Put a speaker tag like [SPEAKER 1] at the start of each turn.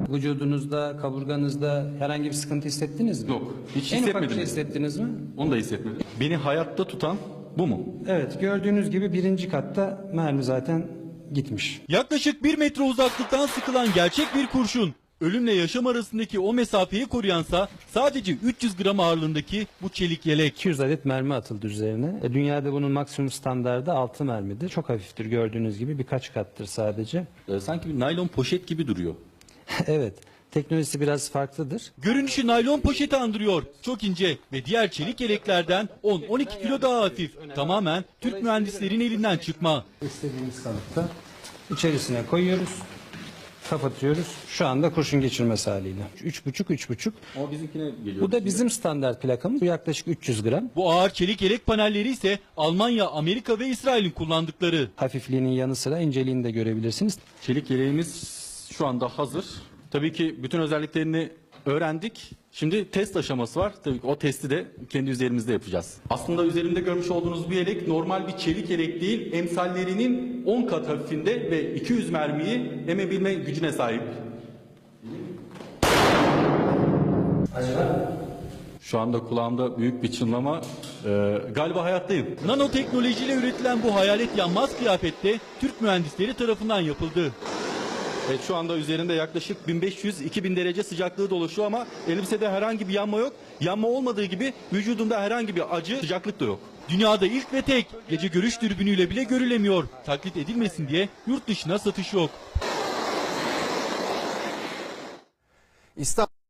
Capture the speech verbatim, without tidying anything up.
[SPEAKER 1] Vücudunuzda, kaburganızda herhangi bir sıkıntı hissettiniz mi?
[SPEAKER 2] Yok, hiç
[SPEAKER 1] En ufak bir
[SPEAKER 2] hissetmedim.
[SPEAKER 1] şey hissettiniz mi?
[SPEAKER 2] Onu da hissetmedim. Beni hayatta tutan bu mu?
[SPEAKER 1] Evet, gördüğünüz gibi birinci katta mermi zaten gitmiş.
[SPEAKER 3] Yaklaşık bir metre uzaklıktan sıkılan gerçek bir kurşun. Ölümle yaşam arasındaki o mesafeyi koruyansa sadece üç yüz gram ağırlığındaki bu çelik yelek.
[SPEAKER 1] iki yüz adet mermi atıldı üzerine. E, dünyada bunun maksimum standardı altı mermidir. Çok hafiftir gördüğünüz gibi, birkaç kattır sadece.
[SPEAKER 2] Ee, sanki bir naylon poşet gibi duruyor.
[SPEAKER 1] Evet, teknolojisi biraz farklıdır.
[SPEAKER 3] Görünüşü naylon poşeti andırıyor. Çok ince ve diğer çelik yeleklerden on on iki kilo daha hafif. Tamamen Türk mühendislerin elinden çıkma.
[SPEAKER 1] İstediğimiz kalıpta içerisine koyuyoruz, kapatıyoruz. Şu anda kurşun geçirmez haliyle. üç buçuk üç buçuk.
[SPEAKER 2] Ama bizimkine geliyor.
[SPEAKER 1] Bu da bizim standart plakamız. Bu yaklaşık üç yüz gram.
[SPEAKER 3] Bu ağır çelik yelek panelleri ise Almanya, Amerika ve İsrail'in kullandıkları.
[SPEAKER 1] Hafifliğinin yanı sıra inceliğini de görebilirsiniz.
[SPEAKER 2] Çelik yeleğimiz şu anda hazır. Tabii ki bütün özelliklerini öğrendik. Şimdi test aşaması var. Tabii ki o testi de kendi üzerimizde yapacağız. Aslında üzerimde görmüş olduğunuz bu yelek normal bir çelik yelek değil. Emsallerinin on kat hafifinde ve iki yüz mermiyi emebilme gücüne sahip.
[SPEAKER 1] Acaba?
[SPEAKER 2] Şu anda kulağımda büyük bir çınlama. Ee, galiba hayattayım.
[SPEAKER 3] Nanoteknolojiyle üretilen bu hayalet yanmaz kıyafette Türk mühendisleri tarafından yapıldı.
[SPEAKER 2] Evet, şu anda üzerinde yaklaşık bin beş yüz iki bin derece sıcaklığı dolaşıyor ama elbisede herhangi bir yanma yok. Yanma olmadığı gibi vücudumda herhangi bir acı, sıcaklık da yok.
[SPEAKER 3] Dünyada ilk ve tek, gece görüş dürbünüyle bile görülemiyor. Taklit edilmesin diye yurt dışına satış yok.
[SPEAKER 4] İstanbul